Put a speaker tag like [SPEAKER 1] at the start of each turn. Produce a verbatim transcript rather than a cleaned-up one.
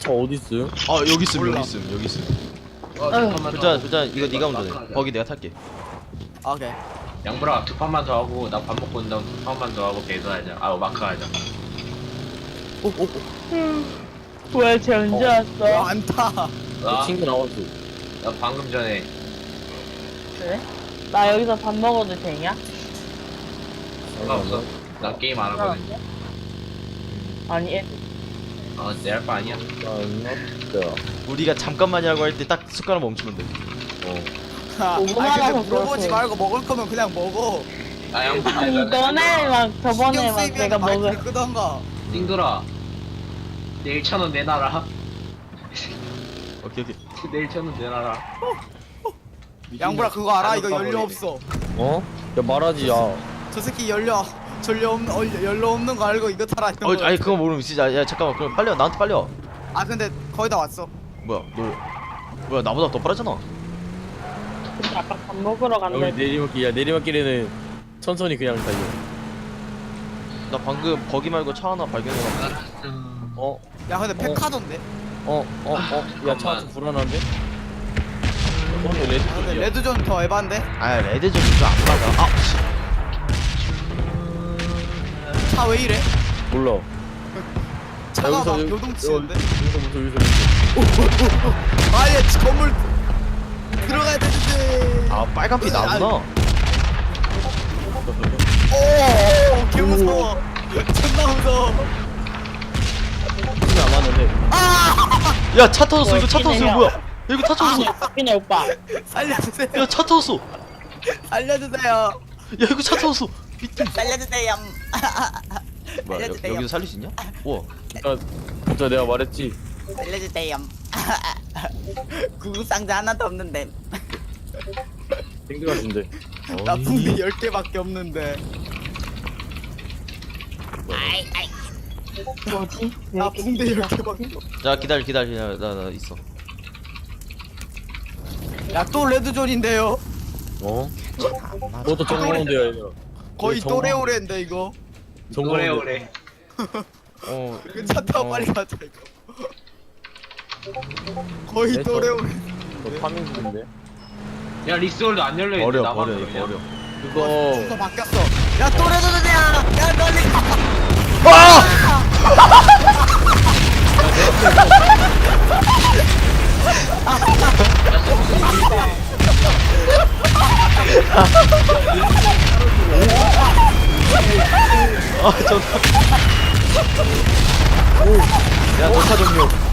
[SPEAKER 1] 어디 있음?
[SPEAKER 2] 아 여기 있음
[SPEAKER 3] 몰라.
[SPEAKER 2] 여기 있음 여기 있음.
[SPEAKER 4] 어,
[SPEAKER 5] 아유.
[SPEAKER 4] 두 판만 더
[SPEAKER 2] 불자
[SPEAKER 4] 하고.
[SPEAKER 2] 불자 이거 네가
[SPEAKER 4] 나
[SPEAKER 2] 운전해.
[SPEAKER 4] 가자.
[SPEAKER 2] 거기 내가 탈게.
[SPEAKER 3] 오케이.
[SPEAKER 4] 양보라 두 판만 더 하고 나 밥 먹고 온 다음 두 판만 더 하고 배도하자. 아 마크 하자.
[SPEAKER 3] 오오오.
[SPEAKER 5] 왜 쟤 언제 왔어?
[SPEAKER 3] 많다.
[SPEAKER 4] 나,
[SPEAKER 1] 친구 나왔어.
[SPEAKER 4] 나 방금 전에
[SPEAKER 5] 그래? 나 여기서 밥 먹어도 되냐?
[SPEAKER 4] 상관없어. 나 게임 안 하거든.
[SPEAKER 5] 아니 애
[SPEAKER 4] 어, 내 할 거 아니야.
[SPEAKER 1] 나
[SPEAKER 2] 우리가 잠깐만이라고 할 때 딱 숟가락 멈추면 돼.
[SPEAKER 1] 어.
[SPEAKER 3] 아,
[SPEAKER 5] 오만
[SPEAKER 3] 아니 근데
[SPEAKER 5] 원은
[SPEAKER 3] 물어보지
[SPEAKER 5] 그렇고.
[SPEAKER 3] 말고 먹을 거면 그냥 먹어.
[SPEAKER 4] 아 양보.
[SPEAKER 5] 아니 너네 막 저번에 막 내가 먹을
[SPEAKER 3] 마이크를 끄던가.
[SPEAKER 4] 띵돌아. 내일 천 원 내놔라.
[SPEAKER 2] 오케이 오케이.
[SPEAKER 4] 내일 천 원 내놔라.
[SPEAKER 3] 양보라 그거 알아?
[SPEAKER 4] 나도
[SPEAKER 3] 이거 연료
[SPEAKER 4] 까버리네.
[SPEAKER 3] 없어.
[SPEAKER 1] 어? 야 말하지 야.
[SPEAKER 3] 저 새끼 연료 전료 없는 어, 연료 없는 거 알고 이거 타라 했던
[SPEAKER 2] 어
[SPEAKER 3] 거.
[SPEAKER 2] 아니 그거 모르면 진짜 야 잠깐만 그럼 빨리 와 나한테 빨리 와.
[SPEAKER 3] 아 근데 거의 다 왔어.
[SPEAKER 2] 뭐야 너 뭐야 나보다 더 빠르잖아.
[SPEAKER 5] 아까 밥 먹으러
[SPEAKER 1] 여기
[SPEAKER 5] 간대.
[SPEAKER 1] 내리막길 야 내리막길에는 천천히 그냥 달려.
[SPEAKER 2] 나 방금 거기 말고 차 하나 발견해가지고.
[SPEAKER 1] 어?
[SPEAKER 3] 야 근데 페카도인데.
[SPEAKER 1] 어? 어? 어? 야 차 좀 불안한데? 어 레드
[SPEAKER 3] 아, 근데
[SPEAKER 1] 쪽이야.
[SPEAKER 3] 레드존 더 에반데.
[SPEAKER 2] 아 레드 좀 이거 안 맞아. 아 씨.
[SPEAKER 3] 차 왜 이래?
[SPEAKER 1] 몰라.
[SPEAKER 3] 차가
[SPEAKER 1] 여기서
[SPEAKER 3] 막
[SPEAKER 1] 여기-
[SPEAKER 3] 요동치는데.
[SPEAKER 1] 여기서부터 여기서부터.
[SPEAKER 3] 아예 건물 들어가야 되는데.
[SPEAKER 2] 아 빨간빛 나구나.
[SPEAKER 3] 오, 개 무서워. 존나 무서워.
[SPEAKER 1] 크게 안 왔는데.
[SPEAKER 2] 야 차 터졌어 이거 차
[SPEAKER 5] 뭐,
[SPEAKER 2] 터졌어 이거
[SPEAKER 5] 끼네요.
[SPEAKER 2] 뭐야? 야, 이거 차 터졌어.
[SPEAKER 5] 박빈이 오빠.
[SPEAKER 3] 살려주세요.
[SPEAKER 2] 야 차 터졌어.
[SPEAKER 3] 살려주세요.
[SPEAKER 2] 야 이거 차 터졌어. 미친.
[SPEAKER 3] 살려주세요.
[SPEAKER 2] 뭐야 여,
[SPEAKER 3] 알려주세요.
[SPEAKER 2] 여기서 살릴 수 있냐? 우와.
[SPEAKER 1] 진짜 진짜 내가 말했지.
[SPEAKER 3] 살려주세요. 구급 상자 하나도 없는데.
[SPEAKER 1] 땡겨 같은데.
[SPEAKER 3] 나 붕대 열 개밖에 없는데.
[SPEAKER 5] 뭐지? 왜
[SPEAKER 3] 나
[SPEAKER 5] 이렇게
[SPEAKER 3] 붕대 열 개밖에.
[SPEAKER 2] 자 기다려 기다려 기다려 나, 나 있어.
[SPEAKER 3] 야또 레드존인데요.
[SPEAKER 1] 어? 그것도 정보원데요 얘들아.
[SPEAKER 3] 거의
[SPEAKER 1] 정보-
[SPEAKER 3] 또래오래인데 이거.
[SPEAKER 4] 오래
[SPEAKER 1] 정보원데.
[SPEAKER 4] 오래.
[SPEAKER 2] 어.
[SPEAKER 3] 그 차 타고
[SPEAKER 2] 어.
[SPEAKER 3] 빨리 가자 이거. 거의
[SPEAKER 1] 네,
[SPEAKER 3] 또래오래.
[SPEAKER 1] 저 파밍 중인데.
[SPEAKER 4] 야 리스홀도 안 열려 있는데
[SPEAKER 2] 버려
[SPEAKER 4] 나만
[SPEAKER 2] 버려
[SPEAKER 4] 그러냐?
[SPEAKER 2] 버려.
[SPEAKER 1] 그거
[SPEAKER 3] 순서 바뀌었어. 야 또래존이야. 야 널리 가.
[SPEAKER 2] 아! 아, 저. 야, 녹화 종료.